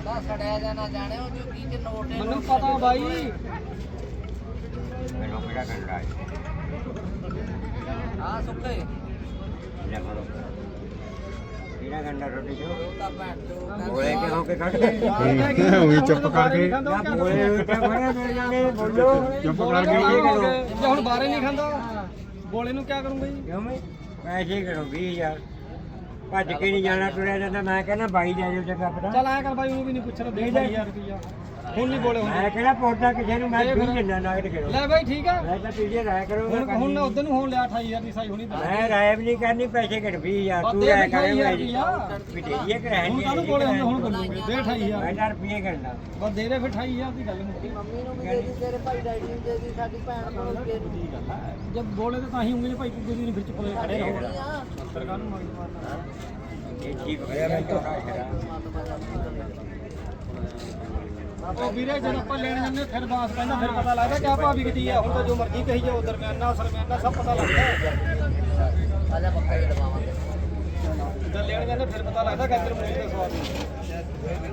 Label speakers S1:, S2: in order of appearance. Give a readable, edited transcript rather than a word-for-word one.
S1: ਸੜਿਆ ਜਾਣਾ ਜਾਣੇ ਉਹ ਝੁੱਗੀ ਚ ਨੋਟ
S2: ਮੈਨੂੰ ਪਤਾ ਬਾਈ
S3: ਮੈਨੂੰ ਕਿਹੜਾ ਕੰਡਾ ਹੈ
S1: ਆ ਸੁੱਕੇ
S3: ਲੈ ਫੜੋ ਕਿਹੜਾ ਕੰਡਾ ਰੋਟੀ ਜੋ
S1: ਉਹ ਤਾਂ ਭੈਣ ਚੋ
S3: ਬੋਲੇ ਕਿ ਹੋ ਕੇ ਕੱਢ ਦੇ
S4: ਉਹੀ ਚੁੱਪ ਕਰਕੇ
S3: ਬੋਲੇ ਉੱਤੇ ਖੜੇ ਮਿਲ ਜਾਣੇ ਬੋਲੋ
S4: ਚੁੱਪ ਕਰਕੇ
S2: ਜੇ ਹੁਣ ਬਾਰੇ ਨਹੀਂ ਖਾਂਦਾ ਬੋਲੇ ਨੂੰ ਕੀ ਕਰੂੰਗਾ ਜੀ
S3: ਕਿਉਂ ਮੈਂ ਪੈਸੇ ਕਰੋ 20000 ਭੱਜ ਕੇ ਨਹੀਂ ਜਾਣਾ ਤੁਰਿਆ ਜਾਂਦਾ ਮੈਂ ਕਹਿੰਦਾ ਬਾਈ ਲੈ ਜਾਓ ਚੰਗਾ ਪਤਾ
S2: ਚੱਲ ਐ ਕਰ ਬਾਈ ਉਹਨੂੰ ਵੀ ਨਹੀਂ ਪੁੱਛਣਾ 20000 ਰੁਪਇਆ ਹੁਣ ਨਹੀਂ ਬੋਲੇ
S3: ਮੈਂ
S2: ਹੁੰਦੇ
S3: ਕਿਹੜਾ ਪੌਦਾ ਕਿਸੇ ਨੂੰ ਮੈਂ ਵੀ ਦਿੰਦਾ ਨਾਗੜ ਕਰੋ
S2: ਲੈ ਬਾਈ ਠੀਕ ਆ
S3: ਮੈਂ ਤਾਂ ਪੀਜੇ ਰਾਇ ਕਰੋ
S2: ਹੁਣ ਉਧਰ ਨੂੰ ਹੋਣ ਲਿਆ 28000 ਦੀ ਸਾਈ ਹੋਣੀ
S3: ਮੈਂ ਰਾਇ ਵੀ ਨਹੀਂ ਕਰਨੀ ਪੈਸੇ ਘਟ 20000 ਤੂੰ ਰਾਇ ਕਰੇ ਵੀ ਦੇ ਕਰਾਂਗੇ
S2: ਹੁਣ ਕਾਹਨੂੰ ਬੋਲੇ ਹੁੰਦੇ ਹੁਣ ਬੋਲੂਗੇ ਦੇ 28000
S3: ਮੈਂ ਤਾਂ ਰੁਪਏ ਕਰਨਾ
S2: ਬਸ ਦੇ ਦੇ ਫਿਰ 28000 ਦੀ ਗੱਲ ਮੁੱਕੀ
S1: ਮੰਮੀ ਨੂੰ ਵੀ ਦੇ ਦੀ ਤੇਰੇ ਭਾਈ ਡੈਡੀ ਨੂੰ ਦੇ ਦੀ ਸਾਡੀ ਭੈਣ ਨੂੰ ਵੀ ਦੇ ਦੀ
S2: ਜਦ ਬੋਲੇ ਤਾਂ ਹੀ ਉਂਗਲੀ ਭਾਈ ਕੁੱਗੇ ਦੀ ਵਿੱਚ ਕੋਲੇ ਖੜੇ ਰਹੋ ਸਰਕਾਰ ਨੂੰ ਮੰਗ ਮਾਰਨਾ
S3: ਇਹ ਠੀਕ ਹੋਇਆ ਮੈਂ ਚੋੜਾ
S2: ਉਹ ਵੀਰੇ ਜਦੋਂ ਆਪਾਂ ਲੈਣ ਜਾਂਦੇ ਫਿਰ ਬਾਸ ਪੈਂਦਾ ਫਿਰ ਪਤਾ ਲੱਗਦਾ ਕਿ ਆ ਭਾਬੀ ਕਿੱਡੀ ਆ ਹੁਣ ਤਾਂ ਜੋ ਮਰਜ਼ੀ ਕਹੀ ਜਾਓ ਦਰਮਿਆਨਾ ਸਰਮਿਆਨਾ ਸਭ ਪਤਾ ਲੱਗਦਾ
S1: ਆਜਾ ਪੱਕਾ ਹੀ ਦਵਾਵਾਂਗੇ
S2: ਜਦ ਲੈਣ ਜਾਂਦੇ ਫਿਰ ਪਤਾ ਲੱਗਦਾ ਕਿ ਇੱਧਰ ਮੂਲੀ ਦਾ ਸਵਾਦ ਨਹੀਂ